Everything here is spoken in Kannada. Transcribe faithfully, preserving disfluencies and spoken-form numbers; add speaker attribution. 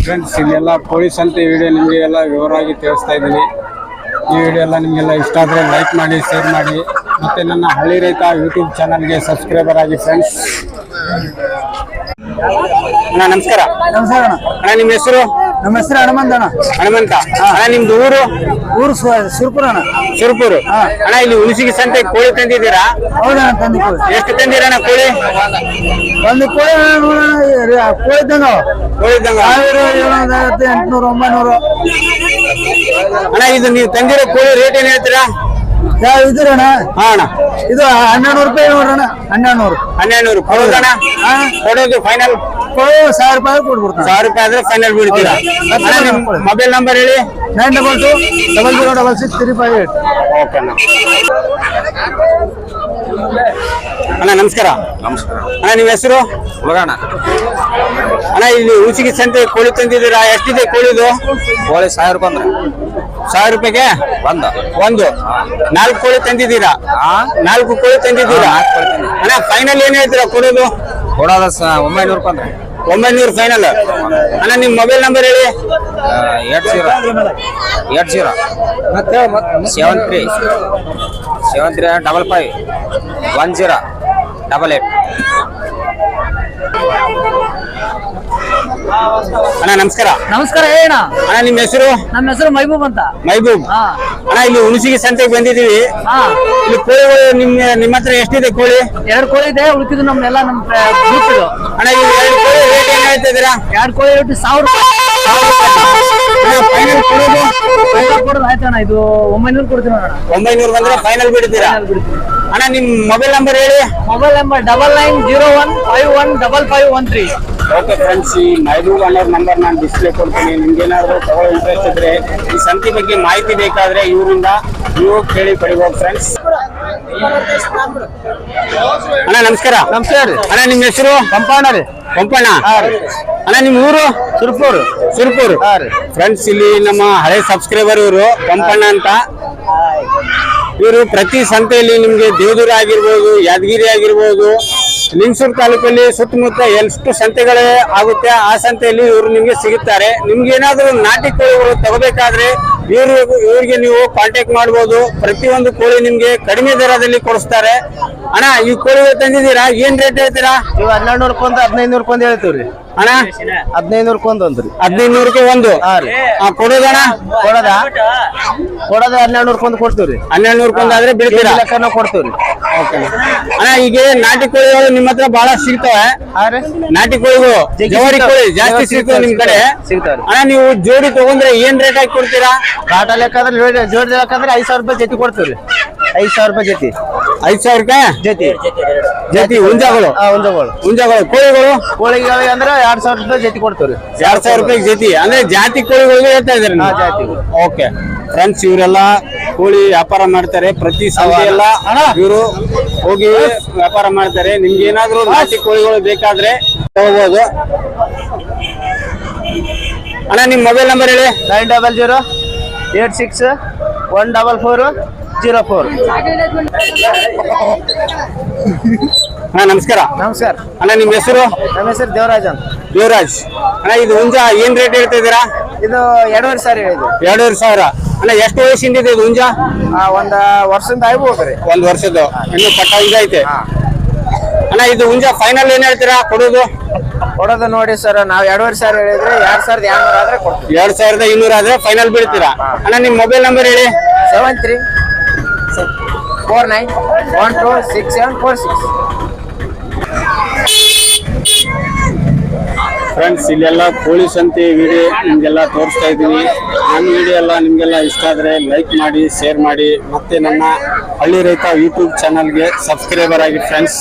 Speaker 1: ಫ್ರೆಂಡ್ಸ್, ಇಲ್ಲೆಲ್ಲ ಪೊಲೀಸ್ ಅಂತ ವಿಡಿಯೋ ನಿಮಗೆಲ್ಲ ವಿವರವಾಗಿ ತಿಳಿಸ್ತಾ ಇದ್ದೀನಿ. ಈ ವಿಡಿಯೋ ಎಲ್ಲ ನಿಮಗೆಲ್ಲ ಇಷ್ಟ ಆದರೆ ಲೈಕ್ ಮಾಡಿ, ಶೇರ್ ಮಾಡಿ, ಮತ್ತು ನನ್ನ ಹಳ್ಳಿ ರೈತ ಯೂಟ್ಯೂಬ್ ಚಾನಲ್ಗೆ ಸಬ್ಸ್ಕ್ರೈಬರ್ ಆಗಿ ಫ್ರೆಂಡ್ಸ್. ಅಣ್ಣ ನಮಸ್ಕಾರ.
Speaker 2: ನಮಸ್ಕಾರ ಅಣ್ಣ.
Speaker 1: ಅಣ್ಣ ನಿಮ್ಮ ಹೆಸರು?
Speaker 2: ನಮ್ಮ ಹೆಸರು ಹನುಮಂತ ಅಣ್ಣ.
Speaker 1: ಹನುಮಂತ ಅಣ್ಣ. ನಿಮ್ದು ಊರು?
Speaker 2: ಊರು ಸುರ್ಪುರ ಅಣ್ಣ.
Speaker 1: ಸುರ್ಪುರು. ಅಣ್ಣ, ಇಲ್ಲಿ ಹುಣಸಿಗೆ ಸಂತೆ ಕೋಳಿ ತಂದಿದ್ದೀರಾ?
Speaker 2: ಹೌದಣ್ಣ, ತಂದಿ ಕೋಳಿ.
Speaker 1: ಎಷ್ಟು ತಂದಿರಣ್ಣ ಕೋಳಿ?
Speaker 2: ಒಂದು ಕೋಳಿ ಕೋಳಿ ತಂಗ
Speaker 1: ಕೋಳಿ ತಂಗ
Speaker 2: ಸಾವಿರ ಏಳ್ನೂರ ಐವತ್ತು, ಎಂಟುನೂರು, ಒಂಬೈನೂರು.
Speaker 1: ಅಣ್ಣ, ಇದು ನೀವು ತಂದಿರೋ ಕೋಳಿ ರೇಟ್ ಏನ್ ಹೇಳ್ತೀರಾ?
Speaker 2: ಯಾವ ಇದ್ರಣ್ಣ?
Speaker 1: ಹಾ ಅಣ್ಣ,
Speaker 2: ಇದು ಹನ್ನೆರಡು ರೂಪಾಯಿ ನೋಡ್ರಣ್ಣ. ಹನ್ನೆರಡು ನೂರು
Speaker 1: ಹನ್ನೆರಡು ನೂರು ಕೊಡೋದಣ್ಣ? ಕೊಡೋದು ಫೈನಲ್
Speaker 2: ಕೋಳಿ ಸಾವಿರ ರೂಪಾಯಿ ಕೊಡ್ಬಿಡ್ತಾನೆ.
Speaker 1: ಸಾವಿರ ರೂಪಾಯಿ ಆದ್ರೆ ಫೈನಲ್ ಬಿಡ್ತೀರಾ? ಮೊಬೈಲ್ ನಂಬರ್ ಹೇಳಿ.
Speaker 2: Nine double two double zero double six three five eight.
Speaker 1: Okay ಅಣ್ಣ. ಅಣ್ಣ ನಮಸ್ಕಾರ.
Speaker 3: ನಮಸ್ಕಾರ
Speaker 1: ಅಣ್ಣ, ನಿಮ್ಮ ಹೆಸರು?
Speaker 3: ಹುಡುಗಣ್ಣ.
Speaker 1: ಅಣ್ಣ, ಇಲ್ಲಿ ಹುಣಸಿಗೆ ಸಂತೆ ಕೋಳಿ ತಂದಿದ್ದೀರಾ? ಎಷ್ಟಿದೆ ಕೋಳಿದು?
Speaker 3: ಕೋಳಿ ಸಾವಿರ ರೂಪಾಯಿ ಅಂದ್ರೆ
Speaker 1: ಸಾವಿರ ರೂಪಾಯಿಗೆ
Speaker 3: ಒಂದು
Speaker 1: ಒಂದು ನಾಲ್ಕು ಕೋಳಿ ತಂದಿದ್ದೀರಾ? ನಾಲ್ಕು ಕೋಳಿ ತಂದಿದ್ದೀರಾ? ಅಣ್ಣ, ಫೈನಲ್ ಏನ್ ಹೇಳ್ತೀರಾ ಕೊಡೋದು?
Speaker 3: ಕೊಡೋದ ಒಂಬೈನೂರು ರೂಪಾಯಿ ಅಂದ್ರೆ
Speaker 1: ಒಂಬೈನೂರು ಫೈನಲ್. ಅಣ್ಣ, ನಿಮ್ಮ ಮೊಬೈಲ್ ನಂಬರ್ ಹೇಳಿ.
Speaker 3: Eight zero eight zero seven three seven three double five one zero double eight.
Speaker 1: ಅಣ್ಣ ನಮಸ್ಕಾರ.
Speaker 2: ನಮಸ್ಕಾರ. ಹೇಳ
Speaker 1: ಅಣ್ಣ, ನಿಮ್ಮ ಹೆಸರು?
Speaker 2: ನಮ್ಮ ಹೆಸರು ಮೈಬೂಬ್ ಅಂತ.
Speaker 1: ಮೈಬೂಬ್. ಅಣ್ಣ, ಇಲ್ಲಿ ಹುಣಸಿಗೆ ಸಂತೆಗೆ ಬಂದಿದ್ದೀವಿ. ಇಲ್ಲಿ ಕೋಳಿಗಳು ನಿಮ್ಮ ನಿಮ್ಮ ಹತ್ರ ಎಷ್ಟಿದೆ ಕೋಳಿ?
Speaker 2: ಎರಡು ಕೋಳಿ ಇದೆ, ಉಳಿಕಿದ್ದು ನಮ್ನೆಲ್ಲ ನಮ್ಮ ಗ್ರೂಪ್ ಇದು.
Speaker 1: ಅಣ್ಣ, ಈ ಎರಡು ಕೋಳಿ ರೇಟ್ ಏನ್ ಹೇಳ್ತಾ ಇದ್ದೀರಾ?
Speaker 2: ಎರಡು ಕೋಳಿ ರೇಟ್ ಸಾವಿರ ರೂಪಾಯಿ.
Speaker 1: ಫೈನಲ್ ಕೊಡೋದು?
Speaker 2: ಫೈನಲ್ ಕೊಡೋದು ಆಯ್ತಣ್ಣ, ಇದು ಒಂಬೈನೂರು ಕೊಡ್ತೀವಿ ಅಣ್ಣ.
Speaker 1: ಒಂಬೈನೂರು ಬಂದ್ರೆ ಫೈನಲ್ ಬಿಡ್ತೀರಾ? ಅಣ್ಣ, ನಿಮ್ ಮೊಬೈಲ್ ನಂಬರ್ ಹೇಳಿ.
Speaker 2: Mobile number double nine zero one five one double five one three.
Speaker 1: Okay friends, ಈ ಮೈಬೂಬ್ ಅನ್ನೋರ್ ನಂಬರ್ ನಾನು ಡಿಸ್ಪ್ಲೇ ಕೊಡ್ತೀನಿ. ನಿಮ್ಗೇನಾದ್ರು ತಗೊಳ್ಳೋ ಇಂಟ್ರೆಸ್ಟ್ ಇದ್ರೆ, ಈ ಸಂತೆ ಬಗ್ಗೆ ಮಾಹಿತಿ ಬೇಕಾದ್ರೆ ಇವರಿಂದ ನೀವು ಕೇಳಿ ಪಡಿಬೋದು ಫ್ರೆಂಡ್ಸ್. ಅಣ್ಣ ನಮಸ್ಕಾರ.
Speaker 2: ನಮಸ್ಕಾರ ರೀ.
Speaker 1: ಅಣ್ಣ, ನಿಮ್ಮ ಹೆಸರು?
Speaker 2: ಪಂಪಣ್ಣ ರೀ.
Speaker 1: ಪಂಪಣ್ಣ. ಅಣ್ಣ, ನಿಮ್ಮ ಊರು?
Speaker 2: ಸುರ್ಪೂರು.
Speaker 1: ಸುರ್ಪೂರು. ಫ್ರೆಂಡ್ಸ್, ಇಲ್ಲಿ ನಮ್ಮ ಹಳೆ ಸಬ್ಸ್ಕ್ರೈಬರ್ ಇವರು ಪಂಪಣ್ಣ ಅಂತ. ಇವರು ಪ್ರತಿ ಸಂತೆಯಲ್ಲಿ ನಿಮ್ಗೆ ದೇವದೂರ ಆಗಿರ್ಬೋದು, ಯಾದಗಿರಿ ಆಗಿರ್ಬೋದು, ಲಿಂಗಸೂರು ತಾಲೂಕಲ್ಲಿ ಸುತ್ತಮುತ್ತ ಎಷ್ಟು ಸಂತೆಗಳೇ ಆಗುತ್ತೆ ಆ ಸಂತೆಯಲ್ಲಿ ಇವರು ನಿಮ್ಗೆ ಸಿಗುತ್ತಾರೆ. ನಿಮ್ಗೆ ಏನಾದ್ರು ನಾಟಿ ಕೋಳಿಗಳು ತಗೋಬೇಕಾದ್ರೆ ಇವ್ರು ಇವ್ರಿಗೆ ನೀವು ಕಾಂಟ್ಯಾಕ್ಟ್ ಮಾಡ್ಬೋದು. ಪ್ರತಿಯೊಂದು ಕೋಳಿ ನಿಮ್ಗೆ ಕಡಿಮೆ ದರದಲ್ಲಿ ಕೊಡಿಸ್ತಾರೆ. ಅಣ್ಣ, ಈ ಕೋಳಿಗಳು ತಂದಿದ್ದೀರಾ? ಏನ್ ರೇಟ್ ಹೇಳ್ತೀರಾ?
Speaker 2: ಇವ್ ಹನ್ನೆರಡು ನೂರಕ್ಕೊಂದು ಹದಿನೈದು ನೂರಕ್ಕೊಂದು ಹೇಳ್ತೀವ್ರಿ
Speaker 1: ಅಣ್ಣ.
Speaker 2: ಹದಿನೈದು ನೂರಕ್ಕೊಂದು ಅಂದ್ರಿ.
Speaker 1: ಹದಿನೈದು ನೂರಕ್ಕೆ ಒಂದು ಕೊಡೋದಣ್ಣ?
Speaker 2: ಕೊಡೋದ ಕೊಡೋದ ಹನ್ನೆರಡು ನೂರಕ್ಕೊಂದು ಕೊಡ್ತೀವ್ರಿ.
Speaker 1: ಹನ್ನೆರಡು ನೂರಕ್ಕೊಂದು ಆದ್ರೆ ಬಿಡ್ತೀರಾ?
Speaker 2: ಲೆಕ್ಕ ಕೊಡ್ತೀವ್ರಿ.
Speaker 1: ಅಣ್ಣ, ಈಗ ನಾಟಿ ಕೋಳಿಗಳು ನಿಮ್ಮ ಹತ್ರ ಬಹಳ ಸಿಗ್ತವೆ. ನಾಟಿ ಕೋಳಿಗಳು, ಜವಾರಿ ಕೋಳಿ ಜಾಸ್ತಿ ಸಿಗ್ತವೆ ನಿಮ್ ಕಡೆ
Speaker 2: ಸಿಗ್ತಾವ್ರಿ.
Speaker 1: ಅಣ್ಣ, ನೀವು ಜೋಡಿ ತಗೊಂಡ್ರೆ ಏನ್ ರೇಟ್ ಹಾಕಿ ಕೊಡ್ತೀರಾ?
Speaker 2: ಕಾಟ ಲೆಕ್ಕ ಅಂದ್ರೆ ಜೋಡಿ ಲೆಕ್ಕ ಅಂದ್ರೆ ಐದ್ ಸಾವಿರ ರೂಪಾಯಿ ಜೊತೆ ಕೊಡ್ತೀವ್ರಿ. ಐದ್ ಸಾವಿರ ರೂಪಾಯಿ ಜೊತೆ.
Speaker 1: ಐದ್ ಸಾವಿರ ರೂಪಾಯಿ
Speaker 2: ಜೊತೆ
Speaker 1: ಜೊತೆ ಹುಂಜಗಳು?
Speaker 2: ಹುಂಜಗಳು
Speaker 1: ಹುಂಜಗಳು. ಕೋಳಿಗಳು
Speaker 2: ಕೋಳಿಗಳು ಅಂದ್ರೆ ಎರಡ್ ಸಾವಿರ ರೂಪಾಯಿ ಜೊತೆ ಕೊಡ್ತೀವ್ರಿ.
Speaker 1: ಎರಡ್ ಸಾವಿರ ರೂಪಾಯಿ ಜೊತೆ ಅಂದ್ರೆ ಜಾತಿ ಕೋಳಿಗಳಿಗೆ ಹೇಳ್ತಾ ಇದಾರೆ.
Speaker 2: ಜಾತಿ.
Speaker 1: ಓಕೆ ಫ್ರೆಂಡ್ಸ್, ಇವರೆಲ್ಲ ಕೋಳಿ ವ್ಯಾಪಾರ ಮಾಡ್ತಾರೆ. ಪ್ರತಿ ಸಂತೆ ಎಲ್ಲ ಇವರು ಹೋಗಿ ವ್ಯಾಪಾರ ಮಾಡ್ತಾರೆ. ನಿಮ್ಗೆ ಏನಾದ್ರು ನಾಟಿ ಕೋಳಿಗಳು ಬೇಕಾದ್ರೆ ತಗೋಬಹುದು. ಅಣ್ಣ, ನಿಮ್ ಮೊಬೈಲ್ ನಂಬರ್ ಹೇಳಿ.
Speaker 2: Nine double zero eight six one double four zero four.
Speaker 1: ಅಣ್ಣ ನಮಸ್ಕಾರ.
Speaker 2: ನಮಸ್ಕಾರ.
Speaker 1: ಅಣ್ಣ, ನಿಮ್ ಹೆಸರು?
Speaker 2: ನಮ್ಮ ಹೆಸರು ದೇವರಾಜ್ ಅಂತ.
Speaker 1: ದೇವರಾಜ್. ಅಣ್ಣ, ಇದು ಹುಂಜ ಏನ್ ರೇಟ್ ಹೇಳ್ತಾ ಇದ್ದೀರಾ?
Speaker 2: ಇದು ಎರಡೂವರೆ ಸಾವಿರ ಹೇಳಿದ್ರು.
Speaker 1: ಎರಡೂವರೆ ಸಾವಿರ. ಅಣ್ಣ, ಎಷ್ಟು ವಯಸ್ಸಿಂದ ಇದೆ ಇದು ಹುಂಜ?
Speaker 2: ಒಂದ್ ವರ್ಷದಿಂದ ಆಗ್ಬೋದ್ರಿ.
Speaker 1: ಒಂದ್ ವರ್ಷದ್ದು ಇನ್ನು ಪಟ್ಟ ಹುಂಜ ಐತೆ. ಅಣ್ಣ, ಇದು ಹುಂಜ ಫೈನಲ್ ಏನ್ ಹೇಳ್ತೀರಾ ಕೊಡೋದು?
Speaker 2: ಕೊಡೋದು ನೋಡಿ ಸರ್, ನಾವ್ ಎರಡೂವರೆ ಸಾವಿರ ಹೇಳಿದ್ರೆ ಎರಡ್ ಸಾವಿರದ ಎರಡ್ನೂರ ಆದ್ರೆ ಕೊಡ್ತೀವಿ.
Speaker 1: ಎರಡ್ ಸಾವಿರದ ಇನ್ನೂರ ಆದ್ರೆ ಫೈನಲ್ ಬೀಳ್ತೀರಾ? ಅಣ್ಣ, ನಿಮ್ ಮೊಬೈಲ್ ನಂಬರ್ ಹೇಳಿ.
Speaker 2: Seven three four nine one two six seven four six.
Speaker 1: Friends, ಇಲ್ಲೆಲ್ಲ ಕೋಳಿ ಸಂತೆ ವಿಡಿಯೋ ನಿಮ್ಗೆಲ್ಲ ತೋರಿಸ್ತಾ ಇದ್ದೀನಿ. ನನ್ನ ವಿಡಿಯೋ ಎಲ್ಲ ನಿಮ್ಗೆಲ್ಲ ಇಷ್ಟ ಆದರೆ ಲೈಕ್ ಮಾಡಿ, ಶೇರ್ ಮಾಡಿ, ಮತ್ತೆ ನನ್ನ ಹಳ್ಳಿ ರೈತ ಯೂಟ್ಯೂಬ್ ಚಾನಲ್ಗೆ ಸಬ್ಸ್ಕ್ರೈಬರ್ ಆಗಿ ಫ್ರೆಂಡ್ಸ್.